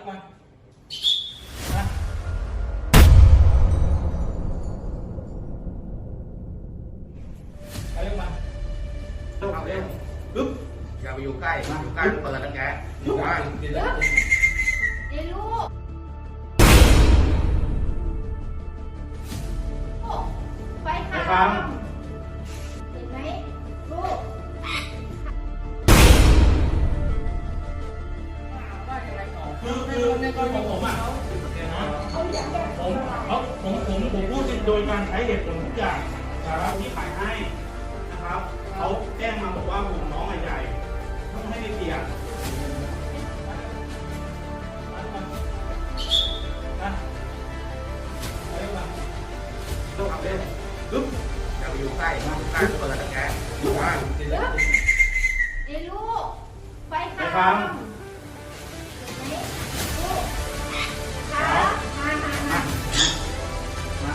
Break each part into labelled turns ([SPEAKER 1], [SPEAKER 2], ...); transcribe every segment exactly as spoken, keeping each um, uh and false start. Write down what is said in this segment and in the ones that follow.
[SPEAKER 1] มามาเร็วมาเร็วเร็วปึ๊บอย่าไปอยู่ใกล้อยู่ใกล้เปิดแล้วแกอยู่ใกล้เดี๋ยว
[SPEAKER 2] เดี๋ยวลูกไฟคามเห็นไหมลูก
[SPEAKER 1] คือคือในกรณีของผมอ่ะผมผมเขาผมผมผมพูดโดยการใช้เหตุผลทุกอย่างนะครับที่ขายให้นะครับเขาแจ้งมาบอกว่าหุ่นน้องใหญ่ต้องให้ไปเปลี่ยนนะเร็วมาเร็วครับเร็วปึ๊บอย่าไปอยู่ใกล้อยู่ใกล้เปิดแล้วแกอยู่ใกล้เดี๋ยว
[SPEAKER 2] เดี๋ยวลูกไฟคาม มามามา
[SPEAKER 1] มา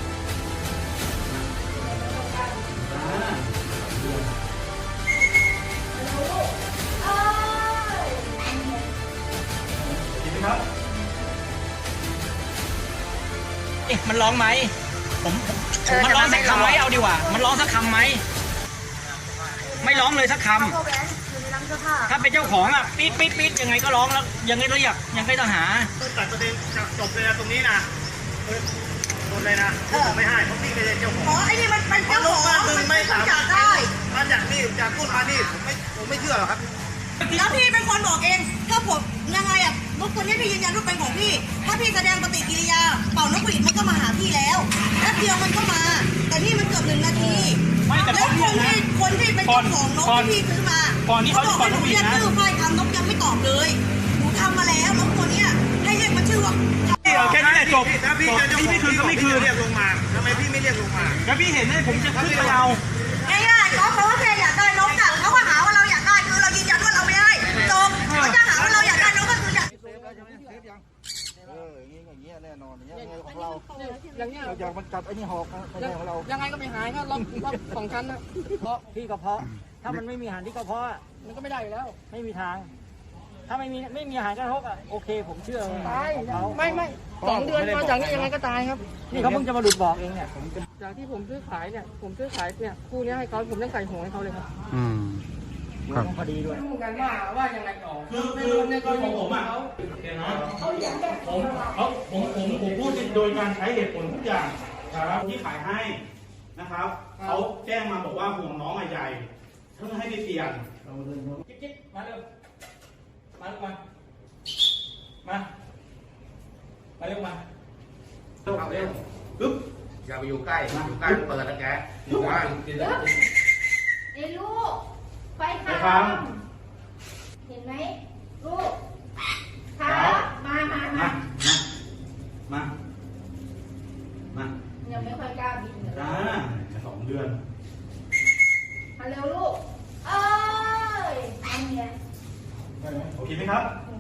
[SPEAKER 3] มันร้องไหมผมมันร้องสักคำไหมเอาดีกว่ามันร้องสักคำไหมไม่ร้องเลยสักคำถ้าเป็นเจ้าของอ่ะปี๊ดปี๊ดปี๊ดยังไงก็ร้องแล้วยังไงเรียกยังไงต้องหา
[SPEAKER 1] ตัดประเด็นจบเลยนะตรงนี้นะหมดเลยนะผมไม่ให้เพราะพี่เป็นเจ้าของ
[SPEAKER 4] อ๋อไอ้นี่มันเป็นเจ้าของ
[SPEAKER 1] มันไม่สามารถได้มันอยากนี่อยากพูดมานี่ผมไม่ผมไม่เชื่อหรอกครับ
[SPEAKER 4] แล้วพี่เป็นคนบอกเองถ้าผมยังไงอ่ะรถตัวนี้พี่ยืนยันว่าเป็นของพี่ถ้าพี่แสดงปฏิกิริยาเป่านกหวีดมันก็มาหาพี่แล้วแป๊บเดียวมันก็มาแต่นี่มันเกือบหนึ่งนาทีแล้วคนที่คนที่เป็นเจ้าของนกที่พี่ซื้อมาเขาบอกให้หนูเรียกชื่อไฟคามนกยังไม่ตอบเลยหนูทำมาแล้วนกตัวนี้ให้เรียกมันชื่อว่า
[SPEAKER 1] แค่นี้แหละจบถ้าพี่จะพี่ไม่คืนก็ไม่คืนเรียกลงมาทำไมพี่ไม่เรียกลงมาแล้วพี่เห็นไหมผมจะขึ้นไปเอา
[SPEAKER 4] ง่ายๆเขาเขาแค่อยากได้นกอ่ะเขาก็หาว่าเราอยากได้คือเรายืนยันว่าเราไม่ได้จบเขาจะหาว่าเราอยากได้นกก็คืออยาก
[SPEAKER 5] เอออย่างนี้อย่างนี้แน่นอนอย่างนี้ของเราอย่างเงี้ยเราอยากมันกัดไอ้นี่หอกนะไม่ใช่ของเรา
[SPEAKER 6] ยังไงก็ไม่หายก็ล็อกล็อกสองชั้นนะ
[SPEAKER 3] เพราะที่กระเพาะถ้ามันไม่มีอาหารที่กระเพาะ
[SPEAKER 6] มันก็ไม่ได้อยู่แล้ว
[SPEAKER 3] ไม่มีทางถ้าไม่มีไม่มีอาหารกระทบอ่ะโอเคผมเชื่อ
[SPEAKER 6] ตายไม่ไม่สองเดือนมาจากนี้ยังไงก็ตายครับ
[SPEAKER 3] นี่เขาเพิ่งจะมาหลุดบอกเองเนี่ย
[SPEAKER 6] จากที่ผมซื้อขายเนี่ยผมซื้อขายเนี่ยคู่นี้ให้เขาผมต้องใส่หัวให้เขาเลยครับ
[SPEAKER 3] อืมครับพอดีด้วย
[SPEAKER 6] รู้กันว่าว่ายังไงต่อ
[SPEAKER 1] คือคือในกรณีของผมอ่ะเดี๋ยวนะผมเขาผมผมผมพูดโดยการใช้เหตุผลทุกอย่างนะครับที่ขายให้นะครับเขาแจ้งมาบอกว่าห่วงน้องใหญ่เพิ่งให้ไปเปลี่ยนจิ๊บจิ๊บมาเร็วมาเร็วมามามาเร็วมาเร็วเร็วปึ๊บอย่าไปอยู่ใกล้อยู่ใกล้เปิดแล้วแกอยู่ใกล้เดี๋ยว
[SPEAKER 2] เดี๋ยวลูกไฟคามเห็นไหมลูกครับมามามา
[SPEAKER 1] มามา
[SPEAKER 2] ยังไม่ค่อยกล้าบินเลย
[SPEAKER 1] จ้าสองเดือน
[SPEAKER 2] มาเร็วลูกเอ้ยอันเนี้ย
[SPEAKER 1] โอเคไหมครับ